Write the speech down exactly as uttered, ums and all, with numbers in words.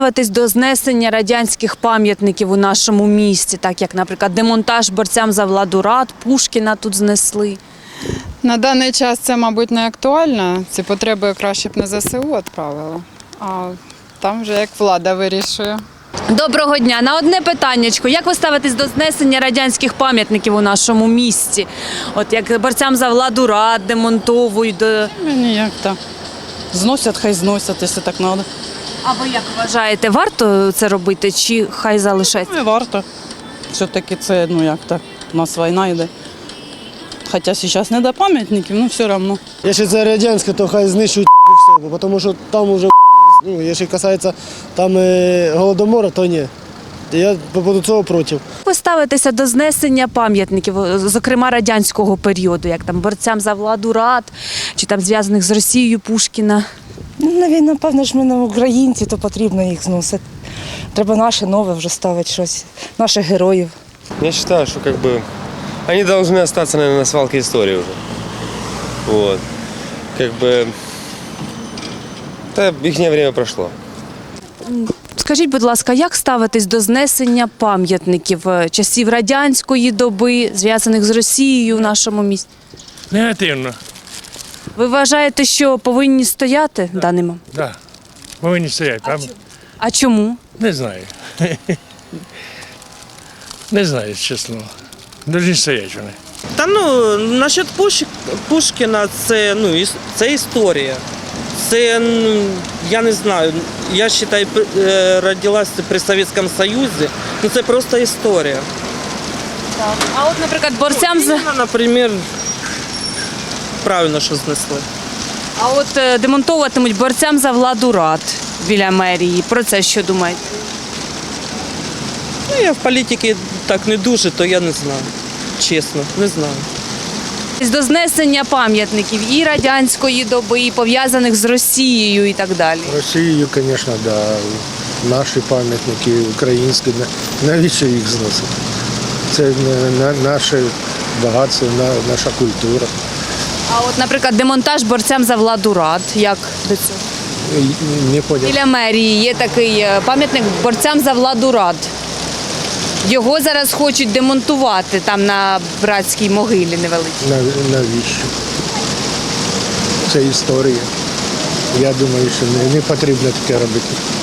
Ставитись до знесення радянських пам'ятників у нашому місті, так як, наприклад, демонтаж борцям за владу рад, Пушкіна тут знесли. На даний час це, мабуть, не актуально. Ці потреби краще б на зе се у відправили, а там вже як влада вирішує. Доброго дня. На одне питаннячко. Як ви ставитесь до знесення радянських пам'ятників у нашому місті? От як борцям за владу рад демонтовують. До... Мені як так. Зносять, хай зносять, якщо так треба. А ви як вважаєте, варто це робити чи хай залишається? Не варто. Все-таки це, ну як так, у нас війна йде. Хоча зараз не до пам'ятників, ну все одно. Якщо це радянське, то хай знищують все, тому що там вже, ну, якщо касається там е, голодомору, то ні. Я по поводу цього проти. Як ви ставитеся до знесення пам'ятників, зокрема радянського періоду, як там борцям за владу рад, чи там зв'язаних з Росією Пушкіна? Ну, напевно ж ми не українці, то потрібно їх зносити. Треба наше нове вже ставити щось, наших героїв. Я считаю, что как бы они должны остаться, наверное, на свалке истории уже. Вот. Как бы да, их время прошло. Скажіть, будь ласка, як ставитесь до знесення пам'ятників часів радянської доби, зв'язаних з Росією в нашому місті? Негативно, Ви вважаєте, що повинні стояти в даний момент? так. Да. Повинні стояти. А А чому? Не знаю. Не знаю, чесно. Должні стояти вони. Та ну, насчет Пуш... Пушкіна, це, ну, іс- це історія. Це, ну, я не знаю, я вважаю, е, родилася при Совєтському Союзі, ну це просто історія. А от, наприклад, борцям за... Леніна, наприклад, правильно, що знесли. А от е, демонтовуватимуть борцям за владу рад біля мерії. Про це що думаєте? Ну, я в політиці так не дуже, то я не знаю. Чесно, не знаю. До знесення пам'ятників і радянської доби, і пов'язаних з Росією і так далі. Росією, звісно, да. Наші пам'ятники українські, навіщо їх зносити? Це наше багатство, наша культура. А от, наприклад, демонтаж борцям за владу рад, як до цього? Не понял. Біля мерії є такий е, пам'ятник борцям за владу рад. Його зараз хочуть демонтувати там на братській могилі невеликій. Навіщо? Це історія. Я думаю, що не, не потрібно таке робити.